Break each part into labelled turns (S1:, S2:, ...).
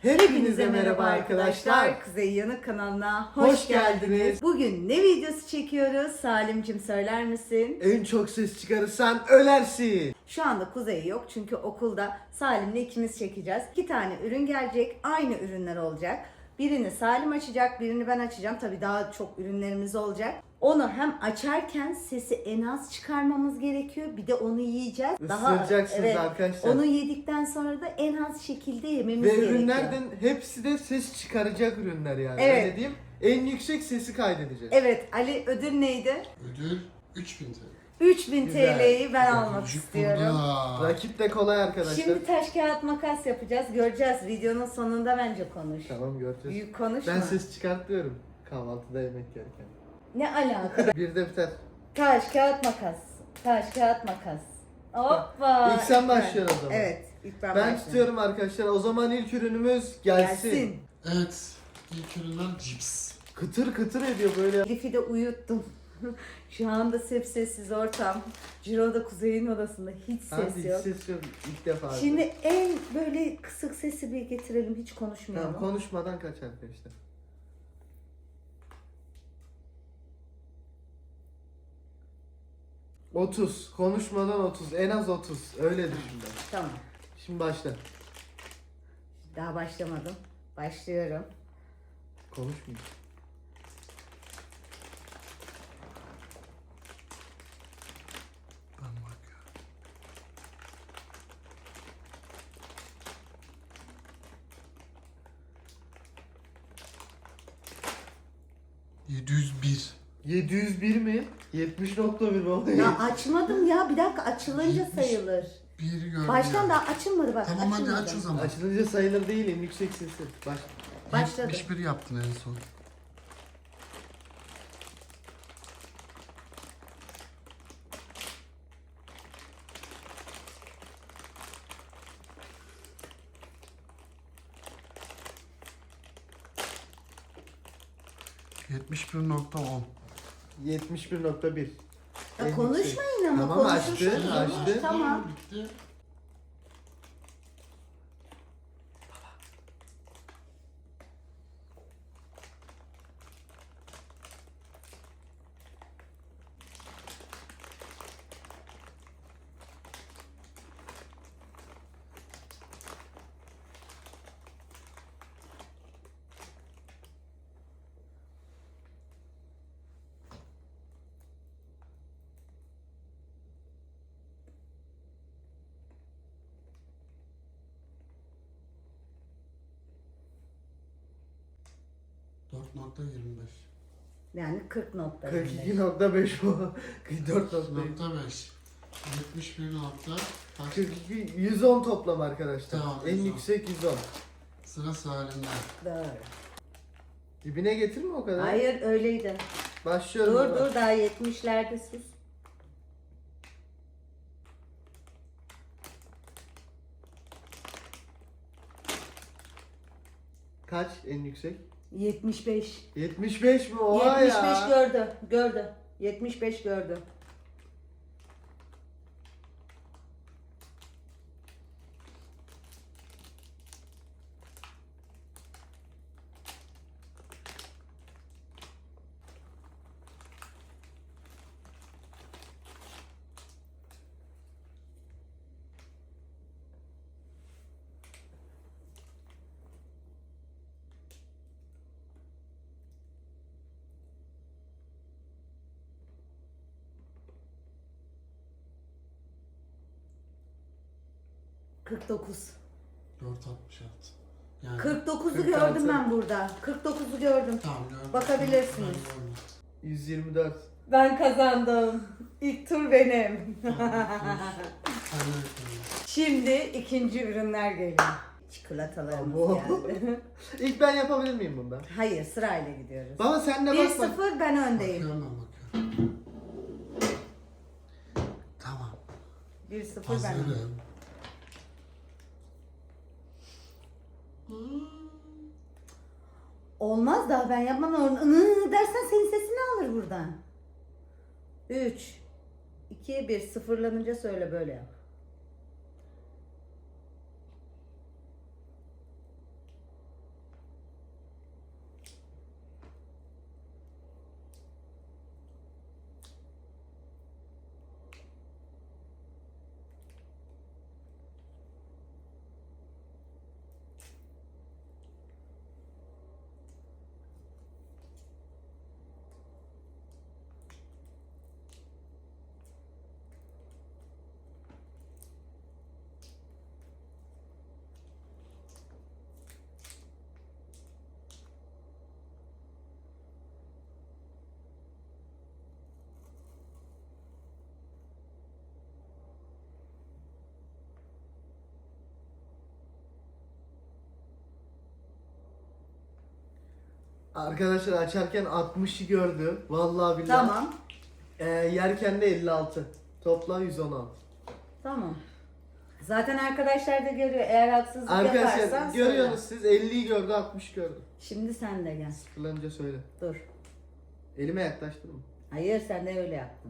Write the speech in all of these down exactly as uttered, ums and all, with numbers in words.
S1: Hepinize merhaba arkadaşlar.
S2: Kuzey Yanık kanalına
S1: Hoş
S2: hoş,
S1: geldiniz.
S2: geldiniz. Bugün ne videosu çekiyoruz? Salimcim söyler misin?
S1: En çok ses çıkarırsan ölersin.
S2: Şu anda Kuzey yok çünkü okulda Salim'le ikimiz çekeceğiz. İki tane ürün gelecek. Aynı ürünler olacak. Birini Salim açacak, birini ben açacağım. Tabii daha çok ürünlerimiz olacak. Onu hem açarken sesi en az çıkarmamız gerekiyor. Bir de onu yiyeceğiz.
S1: Isıracaksınız arkadaşlar.
S2: Onu yedikten sonra da en az şekilde yememiz
S1: Ve
S2: gerekiyor.
S1: ürünlerden hepsi de ses çıkaracak ürünler yani.
S2: Evet.
S1: Öyle diyeyim. En yüksek sesi kaydedeceğiz.
S2: Evet, Ali ödül neydi?
S3: Ödül üç bin T L.
S2: üç bin
S1: Güzel.
S2: T L'yi ben almak
S3: Çocuk
S2: istiyorum.
S3: burada.
S1: Rakip de kolay arkadaşlar.
S2: Şimdi taş kağıt makas yapacağız. Göreceğiz. Videonun sonunda bence konuş.
S1: Tamam göreceğiz.
S2: Büyük konuşma.
S1: Ben ses çıkartıyorum kahvaltıda yemek yerken.
S2: Ne alaka?
S1: Bir de biter.
S2: Taş kağıt makas. Taş kağıt makas. Hoppa.
S1: İlk sen
S2: ben.
S1: başlıyorsun o zaman.
S2: Evet. İlk ben,
S1: Ben
S2: başlıyorum.
S1: tutuyorum arkadaşlar. O zaman ilk ürünümüz gelsin.
S2: Gelsin.
S3: Evet. İlk ürünler cips.
S1: Kıtır kıtır ediyor böyle.
S2: Elif'i de uyuttum. Şu anda sessiz ortam. Ciro'da Kuzey'in odasında hiç ses
S1: Hadi hiç
S2: yok.
S1: ses yok. İlk defa.
S2: Şimdi en böyle kısık sesi bir getirelim. Hiç konuşmayalım.
S1: Tamam, konuşmadan kaç arkadaşlar. otuz. Konuşmadan otuz. En az otuz. Öyle düşün ben.
S2: Tamam.
S1: Şimdi başla.
S2: Daha başlamadım. Başlıyorum.
S1: Konuşmayayım.
S3: Ben bakıyorum. yedi yüz bir.
S1: yedi yüz bir mi? yetmiş nokta bir mi?
S2: Ya açmadım ya. Bir dakika açılınca
S3: Yetmiş.
S2: sayılır.
S3: Bir gördüm.
S2: Baştan daha açılmadı bak.
S3: Tamam hadi
S2: açılmadı.
S3: aç o zaman.
S1: Açılınca sayılır değil, en yüksek sesi. Baş.
S2: Başladı.
S3: yetmiş bir yaptın en son. yetmiş bir nokta on.
S1: yetmiş bir nokta bir.
S2: Ya
S1: En
S2: konuşmayın
S1: yüksek.
S2: ama.
S1: Tamam,
S2: konuşursunuz.
S1: açtı, açtı.
S2: Tamam.
S3: Bitti. dört nokta yirmi beş.
S2: Yani kırk nokta.
S1: kırk iki nokta beş bu. kırk dört nokta beş.
S3: nokta beş. yetmiş bir nokta kaç?
S1: kırk iki, yüz on toplam arkadaşlar.
S3: Tamam,
S1: en
S3: yüz on.
S1: yüksek yüz on.
S3: Sıra Salim'de.
S2: Doğru.
S1: Dibine getirme o kadar.
S2: Hayır öyleydi.
S1: Başlıyorum.
S2: Dur
S1: ama.
S2: dur daha yetmişlerde sus.
S1: Kaç en yüksek?
S2: yetmiş beş.
S1: yetmiş beş mi? Oha
S2: yetmiş beş
S1: ya.
S2: gördü. Gördü. yetmiş beş gördü. kırk dokuz.
S3: dört altmış altı. Yani
S2: kırk dokuzu
S1: kırk altı.
S2: gördüm ben burada. kırk dokuzu gördüm.
S3: Tamam gördüm.
S2: Bakabilirsiniz.
S3: Ben gördüm.
S1: yüz yirmi dört.
S2: Ben kazandım. İlk tur benim.
S3: Tamam, dur. Sen de yapalım.
S2: Şimdi ikinci ürünler geliyor. Çikolatalarımız
S1: Abo.
S2: geldi.
S1: İlk ben yapabilir miyim bunda?
S2: Hayır sırayla gidiyoruz.
S1: Baba sen de
S2: bir
S1: bak bak.
S2: sıfır ben öndeyim.
S3: Bakıyorum ben bakıyorum. Tamam.
S2: bir sıfır ben öndeyim.
S3: Hazırım.
S2: Olmaz daha ben yapmam. Iı dersen senin sesini alır buradan. üç, iki, bir sıfırlanınca söyle böyle yap.
S1: Arkadaşlar açarken altmışı gördü. Vallahi billahi.
S2: Tamam.
S1: Ee, yerken de elli altı. Toplam yüz on altı.
S2: Tamam. Zaten arkadaşlar da görüyor. Eğer haksızlık yaparsan
S1: Arkadaşlar
S2: söyle.
S1: görüyorsunuz siz elliyi gördü altmış gördü.
S2: Şimdi sen de gel.
S1: Sıfırlanınca söyle.
S2: Dur.
S1: Elime yaklaştırma.
S2: Hayır sen de öyle yaptın.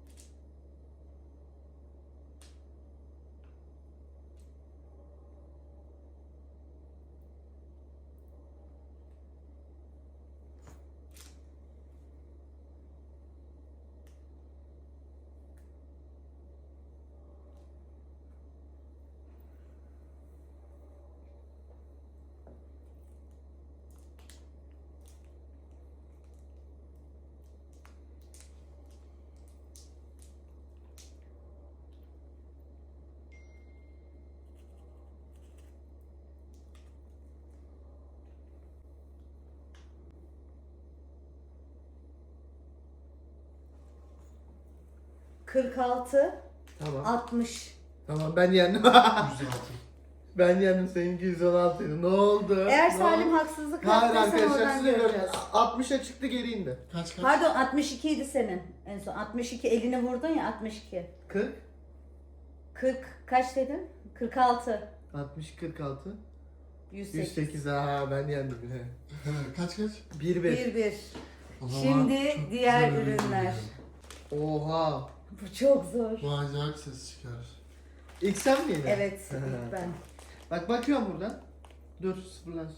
S2: kırk altı,
S1: Tamam.
S2: altmış.
S1: Tamam ben yendim.
S3: yüz altı.
S1: Ben yendim, seninki yüz on altıydı. Ne oldu?
S2: Eğer
S1: Ne
S2: Salim
S1: oldu?
S2: haksızlık
S1: Hayır
S2: yaptıysa
S1: arkadaşlar
S2: oradan
S1: siz de
S2: göreceğiz.
S1: gördünüz. altmışa çıktı geri indi.
S3: Kaç kaç?
S2: Pardon altmış iki idi senin en son. altmış iki elini vurdun ya altmış iki.
S1: kırk,
S2: kırk kaç dedin? kırk altı.
S1: altmış, kırk altı,
S2: yüz
S1: yüz
S2: sekiz.
S1: sekiz. Ha ben yendim yine.
S3: He, kaç kaç?
S1: bir bir.
S2: bir bir.
S3: O zaman
S2: Şimdi
S3: çok
S2: diğer
S3: güzel bir
S2: ürünler.
S3: video.
S1: Oha.
S2: Bu çok zor.
S3: Bu acayip ses çıkar.
S1: İlk sen mi yine?
S2: Evet ilk ben.
S1: Bak bakıyorum buradan. Dur sıfırlansın.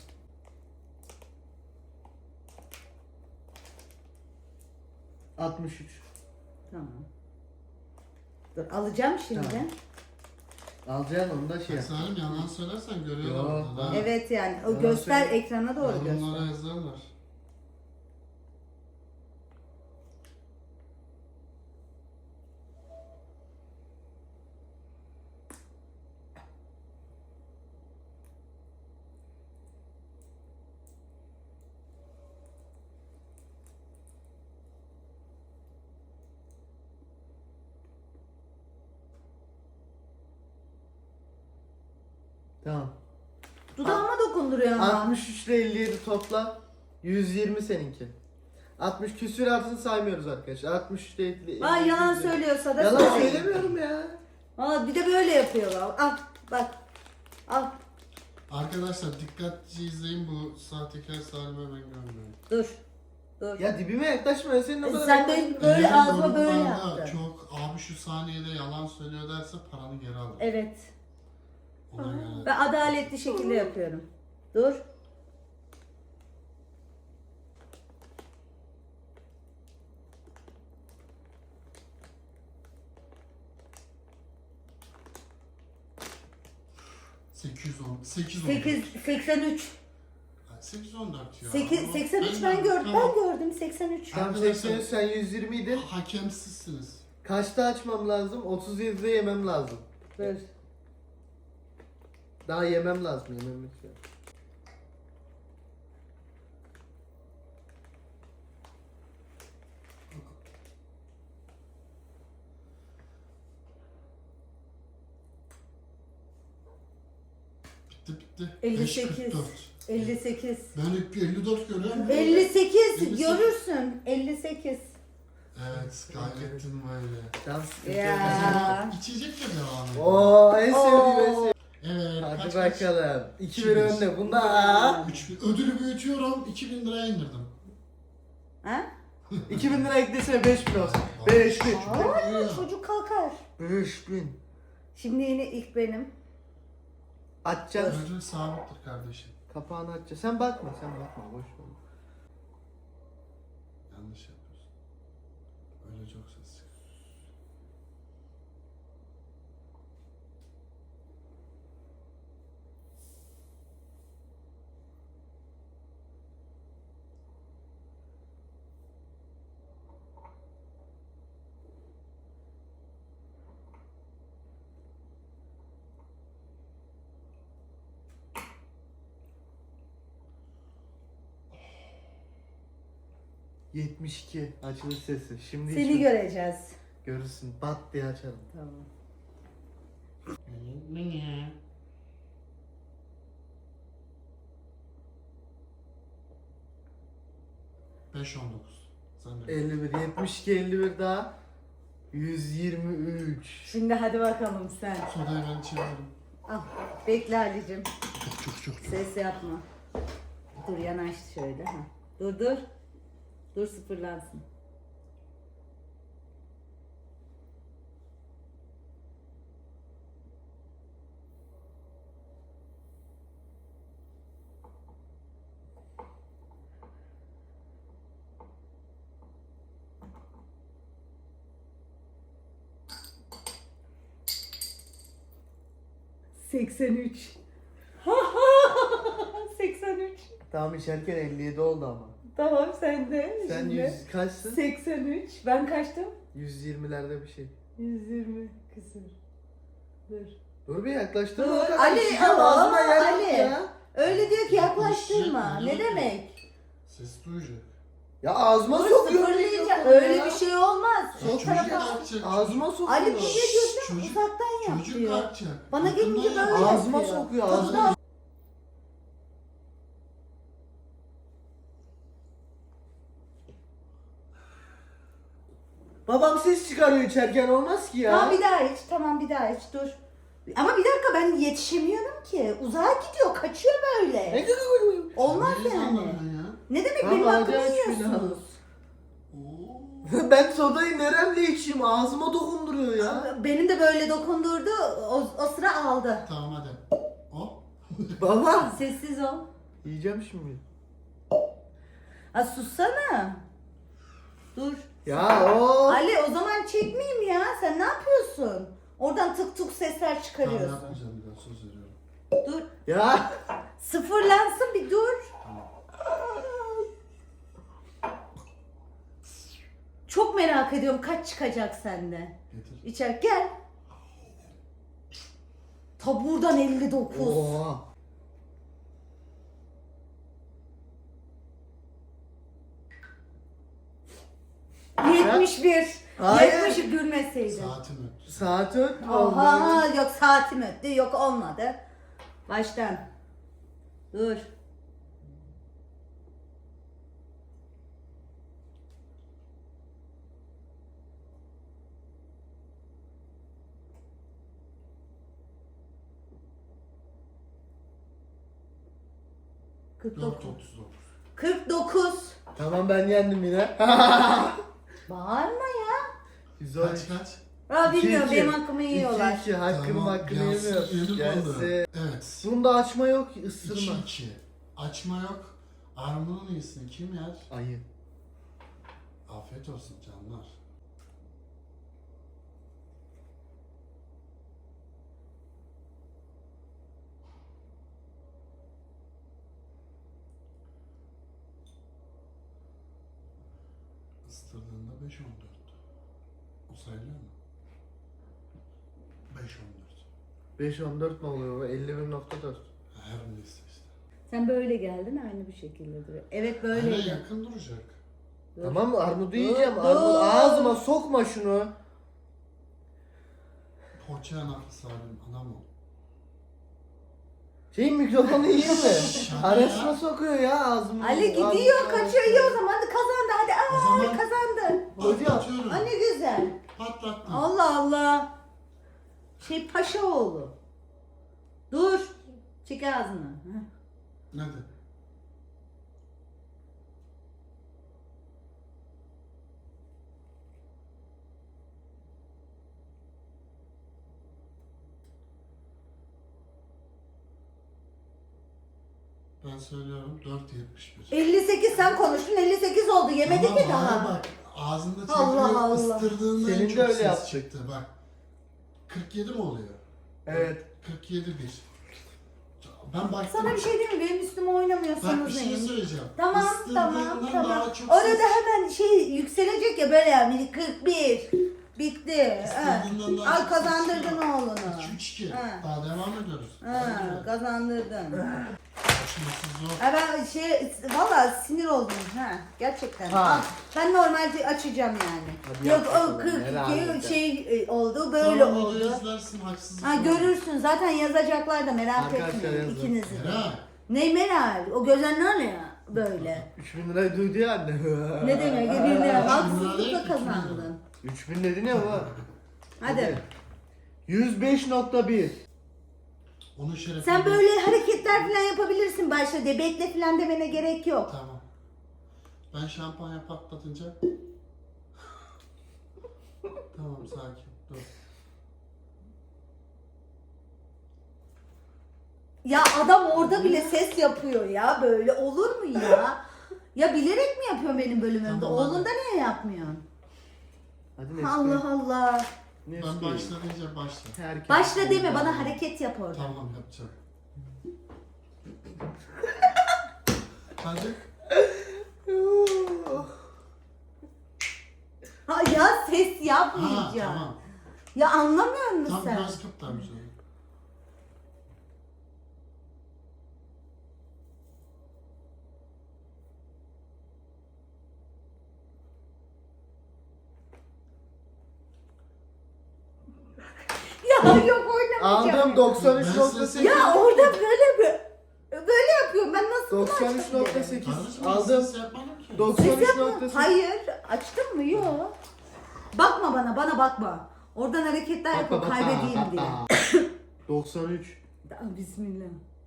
S1: altmış üç.
S2: Tamam. Dur alacağım şimdi.
S1: Tamam. Alacaksın onu da şey
S3: Bak
S1: yap.
S3: Salim yalan söylersen görüyorlar
S1: Yok,
S3: oradan ha.
S2: Evet yani o
S1: Yalan
S2: göster
S1: söyle.
S2: ekrana doğru
S3: Yorumlara
S2: göster.
S3: yazarlar.
S1: Tamam.
S2: Dudağıma dokunduruyor ama.
S1: altmış üç ile elli yedi topla. yüz yirmi seninki. altmış küsür altını saymıyoruz arkadaşlar. altmış üç ile elli.
S2: Aa yalan
S1: yüz yirmi.
S2: söylüyorsa da
S1: Yalan
S2: söyleyin.
S1: söylemiyorum ya.
S2: Aa bir de böyle yapıyorlar. Al bak. Al
S3: Arkadaşlar dikkatlice izleyin, bu sahtekar Salim'e ben görmüyorum.
S2: dur. Dur.
S1: Ya dibime yaklaşma ya, senin o kadar
S2: Sen
S1: yaklaşma.
S2: benim böyle
S3: Eğer
S2: ağzıma böyle
S3: yorumlarda
S2: yaptın.
S3: çok abi şu saniyede yalan söylüyor derse paranı geri alır.
S2: Evet.
S3: Ona göre.
S2: Ben adaletli şekilde yapıyorum. Dur.
S3: sekiz yüz on. sekiz yüz on.
S2: sekiz seksen üç.
S3: sekiz yüz on dört ya.
S2: sekiz
S3: Ama
S2: seksen üç ben gördüm.
S3: Tamam.
S2: Ben gördüm seksen üç.
S1: Tam seksen üç, sen yüz yirmi idin.
S3: Hakemsizsiniz.
S1: Kaçta açmam lazım? otuz yedide yemem lazım.
S2: Dur.
S1: Daha yemem lazım, yemem lütfen.
S3: Bitti bitti.
S2: elli
S3: beş
S2: sekiz.
S3: kırk dört.
S2: elli sekiz.
S3: Ben hep elli dört görüyorum.
S2: elli sekiz
S3: elli sekiz.
S2: görürsün. elli sekiz.
S3: Evet, kaybettin böyle.
S1: Tamam, sıkıntı
S2: Ya.
S1: yok.
S3: O zaman içecekle devam edelim.
S1: Oo en sevdiğim en sevdiğim.
S3: Evet,
S1: Hadi
S3: kaç kaç?
S1: bakalım. iki bir
S3: İki bir.
S1: önde. Bunda
S3: üç bin. Ödülü büyütüyorum, iki bin liraya indirdim.
S2: Ha?
S1: iki bin lira eklesene, beş bin olsun. beş bin.
S2: Aa, çocuk kalkar.
S1: beş bin.
S2: Şimdi yine ilk benim.
S1: Açacaksın.
S3: Ödül sabittir kardeşim.
S1: Kapağını açacaksın. Sen bakma, sen bakma. Boş ver.
S3: Yanlış yapıyorsun. Öyle çok ses çıkıyor.
S1: yetmiş iki açılış sesi. Şimdi
S2: Seni
S1: hiç
S2: göreceğiz.
S1: görürsün. Bat diye açalım.
S2: Tamam.
S3: beş on dokuz. Sen de.
S1: elli bir, yetmiş iki, elli bir daha. yüz yirmi üç.
S2: Şimdi hadi bakalım sen.
S3: Sodayı ben içebilirim.
S2: Al. Bekle Ali'cim.
S3: Çok çok çok. çok.
S2: Ses yapma. Dur yanaş şöyle. Ha. Dur dur. Dur sıfırlansın. seksen üç. seksen üç.
S1: Tamam içerken elli yedi oldu ama.
S2: Tamam sen de.
S1: Sen
S2: Şimdi
S1: yüz kaçsın?
S2: seksen üç. Ben kaçtım?
S1: yüz yirmilerde bir şey.
S2: yüz yirmi küsur. Dur.
S1: Dur bir yaklaştırma.
S2: Dur.
S1: o kadar.
S2: Ali,
S1: İşte
S2: aa,
S1: ağzına yer yok
S2: Ali.
S1: ya.
S2: Öyle diyor ki yaklaştırma.
S3: Yaklaşacak,
S2: Ne
S3: yok.
S2: demek?
S3: Ses duyacak.
S1: Ya ağzıma
S2: Dur
S1: sokuyor.
S2: sıfırlayacak.
S1: mikrofonu
S2: Öyle
S1: ya.
S2: bir şey olmaz.
S3: Ya
S2: Sol
S3: çocuk
S2: tarafa.
S3: kalkacak.
S1: Ağzıma sokuyor.
S2: Ali bir şey diyorsun
S3: Çocuk-
S2: uzaktan yap
S3: Çocuk
S2: diyor.
S3: kalkacak.
S2: Bana
S3: Yakından
S2: gelince
S3: yap.
S2: böyle
S1: Ağzıma
S2: yapıyor.
S1: sokuyor,
S2: Tadı
S1: ağzıma.
S2: da-
S1: Babam ses çıkarıyor içerken olmaz ki ya.
S2: Tamam bir daha iç. Tamam bir daha iç. Dur. Ama bir dakika ben yetişemiyorum ki. Uzağa gidiyor. Kaçıyor böyle. Olmaz
S3: Neyi
S2: yani.
S3: anladın ya?
S2: Ne demek
S1: Tamam,
S2: benim
S1: hadi
S2: hakkımı
S1: aç bir
S2: yiyorsunuz?
S3: Oo.
S1: Ben sodayı neremle içeyim? Ağzıma dokunduruyor ya.
S2: Benim de böyle dokundurdu. O, o sıra aldı.
S3: Tamam hadi. Hop.
S1: Baba.
S2: Sessiz ol.
S1: Yiyeceğim şimdi.
S2: Ha sussana. Dur.
S1: Ya o.
S2: Ali o zaman çekmeyeyim ya. Sen ne yapıyorsun? Oradan tık tık sesler
S3: Tamam
S2: çıkarıyorsun.
S3: yapmayacağım bir daha söz veriyorum.
S2: Dur.
S1: Ya.
S2: Sıfırlansın bir dur. Çok merak ediyorum kaç çıkacak sende.
S3: Getir.
S2: İçer gel. Taburdan elli dokuz.
S1: Oha.
S2: yetmiş bir.
S1: Hayır.
S2: yetmiş gülmeseydin.
S3: Saatim öttü.
S1: Saat ötme.
S2: Oha yok saatim öttü yok olmadı. Baştan. Dur. kırk
S3: dört
S2: dokuz.
S3: otuz dokuz.
S2: kırk dokuz.
S1: Tamam ben yendim yine.
S2: Bağırma ya.
S1: Güzel.
S3: Kaç kaç?
S2: Ya bilmiyorum
S1: İki, iki.
S2: benim hakkımı yiyorlar.
S1: iki iki hakkını
S3: Tamam,
S1: hakkını
S3: gelsin,
S1: yemiyor.
S3: yedim
S1: Gelsin.
S3: onu. Evet.
S1: Bunda açma yok
S3: iki
S1: ısırma.
S3: iki. Açma yok. Armudun iyisini kim yer?
S1: Ayı.
S3: Afiyet olsun canlar. Isırdığında beş on dört. O sayılıyor mu? beş on dört.
S1: beş on dört ne oluyor? elli bir nokta dört.
S3: Her neyse işte.
S2: Sen böyle geldin aynı bir şekilde duruyor. Evet
S3: Böyle
S2: böyleydi.
S3: yakın duracak.
S2: Dur.
S1: Tamam mı? Armudu
S2: Dur,
S1: yiyeceğim.
S2: dur.
S1: Armut ağzıma sokma şunu.
S3: Poğaça yanaklı salim anam o.
S1: Şey mikrofonu yiyeyim mi?
S3: Şaka
S1: Arasına
S3: ya.
S1: sokuyor ya ağzıma.
S2: Ali gidiyor,
S1: Ağzıma-
S2: kaçıyor, iyi o zaman. Hadi kazandı, hadi.
S3: O
S2: Aa,
S3: zaman-
S2: Ali kazandı.
S1: Hocam.
S3: Patlatıyorum.
S2: Aa, ne güzel.
S3: Patlattım.
S2: Allah Allah. Şey Paşaoğlu. Dur. Çek ağzını. Heh.
S3: Nedir? Ben söylüyorum dört yetmiş bir.
S2: elli sekiz sen konuştun, elli sekiz oldu. Yemedi
S3: Tamam,
S2: ki
S3: hayır
S2: daha.
S3: Bak ağzında çekiyor,
S2: Allah Allah.
S3: ıstırdığında en
S1: Senin de
S3: çok
S1: öyle
S3: ses
S1: yaptık.
S3: çıktı bak. kırk yedi mi oluyor?
S1: Evet.
S3: kırk yedi bir. Ben baktım.
S2: Sana bir şey diyeyim mi? Benim üstüme oynamıyorsunuz
S3: Bak bir şey
S2: neyim?
S3: söyleyeceğim.
S2: Tamam,
S3: Isırdığından
S2: tamam,
S3: daha
S2: tamam.
S3: çok
S2: Orada
S3: ses-
S2: hemen şey yükselecek ya böyle yani kırk bir. Bitti. Ha.
S3: Isırdığından daha
S2: Al
S3: çok ses
S2: kazandırdın
S3: çıkıyor.
S2: oğlunu.
S3: iki üç iki.
S2: Ha.
S3: Daha devam ediyoruz.
S2: Ha,
S3: Hadi.
S2: kazandırdın.
S3: Açması zor.
S2: Ha ben şey valla sinir oldum ha gerçekten.
S1: Ha.
S2: Ha. Ben normalde açacağım yani.
S1: Hadi
S2: Yok
S1: yap
S2: o
S1: bakalım,
S2: kırk
S1: merak
S2: iki şey e, oldu böyle
S3: Tamam,
S2: oldu.
S3: videoyu izlersin, haksızlık
S2: Ha
S3: olmaz.
S2: görürsün zaten yazacaklar da merak
S1: Arkadaşlar
S2: etmeyin
S1: yazın.
S2: ikinizi de.
S3: Meral.
S2: Ne Meral? O gözler ne ya? Böyle.
S1: üç bin lirayı duydu ya anne.
S2: Ne demek? Bir lira
S3: değil
S2: haksızlıkla
S3: ki, iki bin
S2: kazandın.
S1: üç bin dedin ya baba.
S2: Hadi.
S1: yüz beş nokta bir.
S3: Onun şerefine...
S2: Sen böyle hareketler falan yapabilirsin başta de. Bekle falan demene gerek yok.
S3: Tamam. Ben şampanya patlatınca... Tamam sakin. Dur.
S2: Ya adam orada bile ses yapıyor ya. Böyle olur mu ya? Ya bilerek mi yapıyorsun benim bölümümde?
S3: Tamam,
S2: Oğlunda
S3: hadi.
S2: niye yapmıyorsun?
S1: Hadi Nesli.
S2: Allah Allah.
S1: Nesli.
S3: Ben başla diyeceğim başla.
S1: Herkes-
S2: Başla deme, bana hareket yap orada.
S3: Tamam yapacağım. Hadi.
S2: Ha ya ses
S3: Ha
S2: yapmayacağım.
S3: tamam.
S2: Ya anlamıyor musun
S3: Tam
S2: sen?
S3: biraz kıptamış onu.
S2: Ya yok oynamayacağım.
S1: Aldım doksan üç nokta
S3: Ben
S1: sekiz.
S2: Ya orada böyle bir böyle yapıyorum. Ben nasıl bunu
S1: doksan üç nokta
S2: açabilirim?
S1: sekiz.
S3: Kardeşim
S1: Aldım.
S3: ses yapmadım ki.
S1: doksan
S2: Ses
S1: üç
S2: yapma.
S1: nokta sekiz.
S2: Hayır. Açtın mı? Yok. Bakma bana, bana bakma. Oradan hareketler yapıp kaybedeyim diye.
S1: doksan üç.
S2: Aa, Bismillah.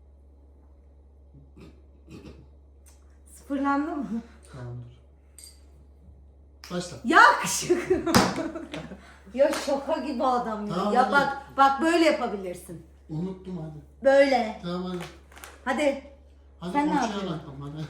S2: Sıfırlandı mı?
S3: Tamamdır. Başla.
S2: Ya kışık. Ya şaka gibi adam ya.
S3: Tamam,
S2: ya
S3: hadi.
S2: bak bak böyle yapabilirsin.
S3: Unuttum hadi.
S2: Böyle.
S3: Tamam hadi.
S2: Hadi.
S3: Hadi
S2: Sen ne
S3: uçağa
S2: yapıyorsun?
S3: bakalım hadi.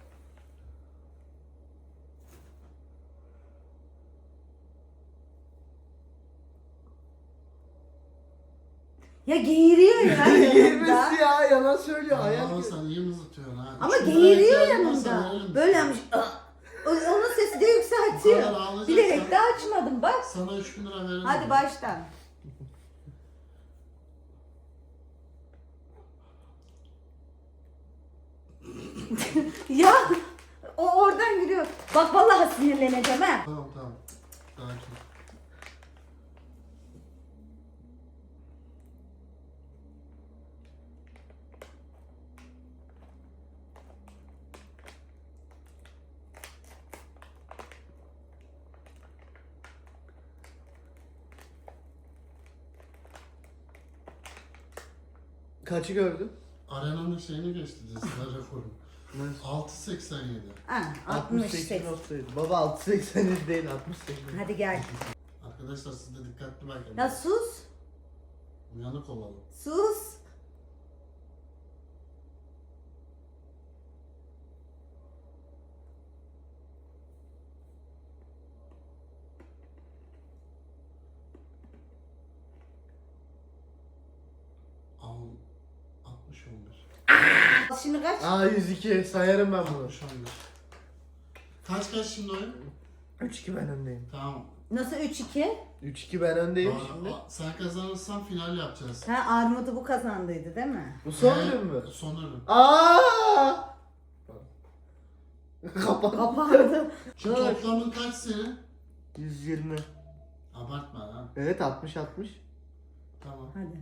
S2: Ya geğiriyor ya yanımda.
S1: Girmesi ya yalan söylüyor. Ayak
S3: Ama
S1: gibi.
S3: sen iyi mızıtıyorsun ha.
S2: Ama
S3: Üç bin
S2: geğiriyor
S3: liraya ihtiyacın varsa
S2: yanımda.
S3: veririm
S2: Böyle
S3: sana.
S2: yapmış. "Ah!" O- Onun sesi de
S3: Bu kadar
S2: yükseltiyor.
S3: ağlayacaksan-
S2: Bilerek de açmadım bak.
S3: Sana üç bin lira veririm.
S2: Hadi baştan. Ya o oradan giriyor. Bak vallahi sinirleneceğim ha.
S3: Tamam tamam. Sakin.
S1: Kaçı gördün?
S3: Arenanın şeyini geçti dizisler rekoru. altı seksen yedi.
S2: Ha, altmış sekiz.
S1: nokta yedi. Baba altı seksen yedi değil altmış sekiz.
S2: Hadi gel.
S3: Arkadaşlar siz de dikkatli bakın.
S2: Ya sus.
S3: Uyanık olalım.
S2: Sus.
S3: Al. altmış on bir.
S2: Şimdi kaç?
S1: Aa yüz iki sayarım ben bunu.
S3: altmış on bir. Kaç kaç şimdi oyun?
S1: üç iki ben öndeyim.
S3: Tamam.
S2: Nasıl üç iki?
S1: üç iki ben öndeyim
S3: Aa,
S1: şimdi.
S3: aa, sen kazanırsan final yapacağız.
S2: Ha Armut'u bu kazandıydı değil mi?
S1: Bu son
S3: Ee,
S1: ürün mü?
S3: Son ürün.
S1: Aa! Kapat.
S2: Kapandı.
S3: Şu
S1: Dur.
S3: toplamın kaç senin?
S1: yüz yirmi.
S3: Abartma ha.
S1: Evet altmış altmış.
S3: Tamam.
S2: Hadi.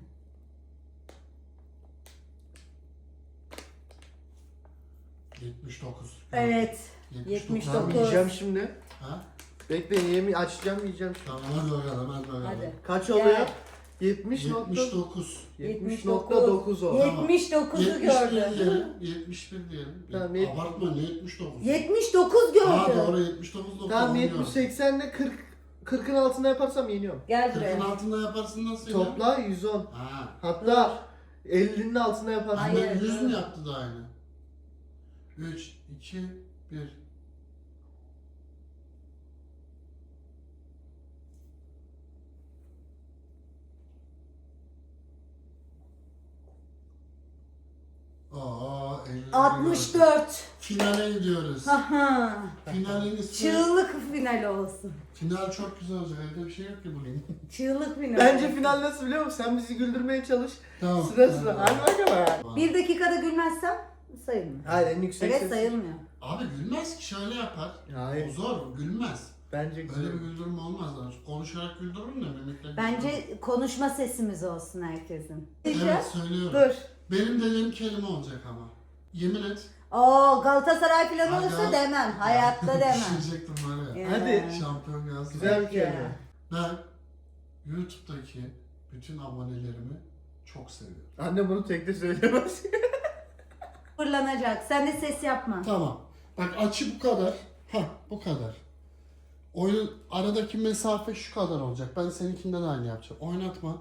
S3: yetmiş dokuz.
S2: Evet.
S3: yetmiş
S2: yetmiş
S1: Tamam
S2: dokuz.
S1: yiyeceğim şimdi.
S3: Ha?
S1: Bekleyin yemi açacağım yiyeceğim şimdi.
S3: Tamam hadi bakalım hadi bakalım.
S2: Hadi.
S1: Kaç
S2: Gel.
S1: oluyor? yetmiş nokta
S3: yetmiş dokuz.
S1: yetmiş nokta dokuz o.
S3: Yet-
S2: yetmiş dokuzu
S3: yetmiş bir
S2: gördü.
S3: diyelim. yetmiş bir diyelim.
S1: Tamam, yet-
S3: Abartma ne yetmiş dokuz?
S2: yetmiş dokuz
S3: Ha
S2: gördü.
S3: doğru yetmiş dokuz nokta
S1: Tamam
S3: on
S1: yetmiş
S3: diyor.
S1: seksen ile kırk kırkın altında yaparsam yeniyorum.
S2: Gel
S3: kırkın
S2: buraya.
S3: altında yaparsın nasıl ya?
S1: Topla yüz on.
S3: Ha.
S1: Hatta ellinin altında yaparsam.
S2: Hayır.
S3: Hayır. yüz mü yaptı da aynı? üç, iki, bir. Aa, elli
S2: altmış
S3: gidiyoruz.
S2: dört.
S3: Finale gidiyoruz.
S2: Haha.
S3: Finalin ismi...
S2: Çığlık final olsun.
S3: Final çok güzel olacak. Evde bir şey yok ki bugün.
S2: Çığlık final.
S1: Bence
S2: olsun.
S1: final nasıl biliyor musun? Sen bizi güldürmeye çalış.
S3: Tamam.
S1: Sıra sıra. Hadi bakalım.
S2: Bir dakikada gülmezsem sayılmıyor.
S1: Hayır en yüksek
S2: Evet
S1: ses.
S2: sayılmıyor.
S3: Abi gülmez ki şöyle yapar.
S1: Hayır.
S3: O zor, gülmez.
S1: Bence güzel.
S3: Öyle bir güldürme olmaz lan. Konuşarak güldürürüm de mimikle.
S2: Bence konuşma sesimiz olsun herkesin.
S3: Evet söylüyorum.
S2: Dur.
S3: Benim dediğim kelime olacak ama. Yemin et.
S2: Oo Galatasaray falan
S3: Hadi
S2: olursa
S3: al.
S2: demem. Hayatta demem.
S3: Düşecektim var ya.
S1: Hadi.
S3: Şampiyon gelsin.
S1: Güzel bir
S2: Ya.
S1: kelime.
S3: Ben YouTube'daki bütün abonelerimi çok seviyorum.
S1: Anne bunu tek de söyleyemez.
S2: Fırlanacak. Sen de ses yapma.
S3: Tamam. Bak açı bu kadar. Heh bu kadar. Oyun aradaki mesafe şu kadar olacak. Ben seninkinden aynı yapacağım. Oynatma.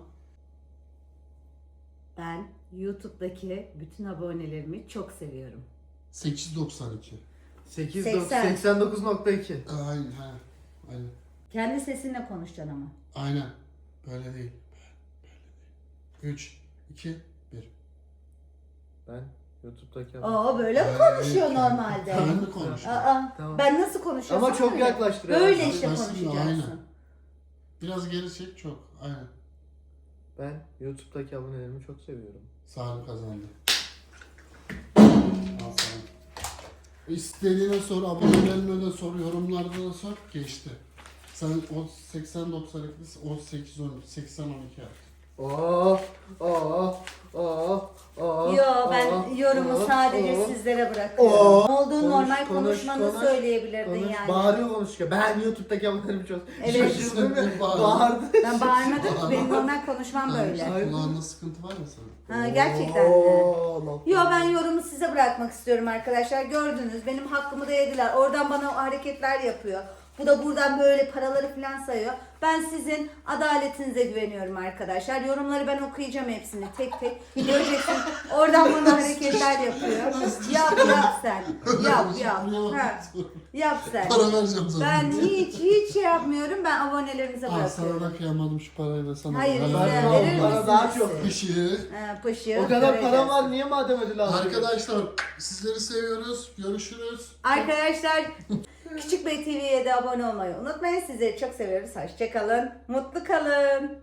S2: Ben YouTube'daki bütün abonelerimi çok seviyorum.
S3: sekiz yüz doksan iki.
S1: sekiz
S2: seksen.
S1: seksen dokuz nokta iki.
S3: Aynen. He. Aynen.
S2: Kendi sesinle konuşacaksın ama.
S3: Aynen. Böyle değil. üç, iki, bir.
S1: Ben YouTube'daki
S2: Oo böyle mi konuşuyor normalde?
S3: Ben mi konuşuyorum?
S2: Aa,
S1: Tamam.
S2: ben nasıl konuşuyorsam
S1: Ama çok
S2: öyle.
S1: yaklaştırıyor.
S2: Böyle işte
S3: Yaklaştırıyor,
S2: konuşacaksın.
S3: aynen. Biraz geri çek çok. Aynen.
S1: Ben YouTube'daki abonelerimi çok seviyorum.
S3: Salim kazandı. Al Salim. İstediğine sor, abonelerine de sor, yorumlarda da sor. Geçti. Sen o seksen doksan iki, o sekiz on, seksen on iki yap.
S1: Oh, oh, oh, oh.
S2: Yo ben
S1: oh,
S2: yorumu
S1: oh,
S2: sadece
S1: oh.
S2: sizlere bırakıyorum.
S1: Oo.
S2: Ne olduğunu
S1: Konuş,
S2: normal
S1: konuş,
S2: konuşmanı
S1: konuş,
S2: söyleyebilirdin
S1: Konuş,
S2: yani.
S1: bağırıyor konuşuyor. Ben YouTube'daki abonelerimi çok
S2: Evet.
S1: şaşırdım ya.
S3: Bağırdı.
S1: Bağırdı.
S2: Ben bağırmadım. Benim normal konuşmam böyle.
S1: Ay.
S3: Kulağında sıkıntı var mı senin?
S2: Ha, gerçekten mi?
S1: Oo, nokta.
S2: Yo ben yorumu size bırakmak istiyorum arkadaşlar. Gördünüz benim hakkımı da yediler. Oradan bana o hareketler yapıyor. Bu da buradan böyle paraları falan sayıyor. Ben sizin adaletinize güveniyorum arkadaşlar. Yorumları ben okuyacağım hepsini tek tek. Göreceksin oradan bana hareketler yapıyor. Yap yap sen. Yap yap. Ha, yap sen.
S3: Para vereceğim sana.
S2: Ben hiç hiç şey yapmıyorum. Ben abonelerinize
S3: Aa, sana
S2: bırakıyorum.
S3: da kıyamadım şu parayı da sana.
S2: Hayır,
S3: da.
S2: size
S1: Ben-
S2: verir
S1: bana
S2: misiniz
S1: daha
S2: siz?
S1: çok.
S3: Pişi.
S2: Ha, pışı.
S1: O kadar
S2: göreceğiz.
S1: param var niye madem ödül aldın?
S3: Arkadaşlar sizleri seviyoruz. Görüşürüz.
S2: Arkadaşlar Küçük Bey T V'ye de abone olmayı unutmayın. Sizleri çok seviyoruz. Hoşçakalın. Mutlu kalın.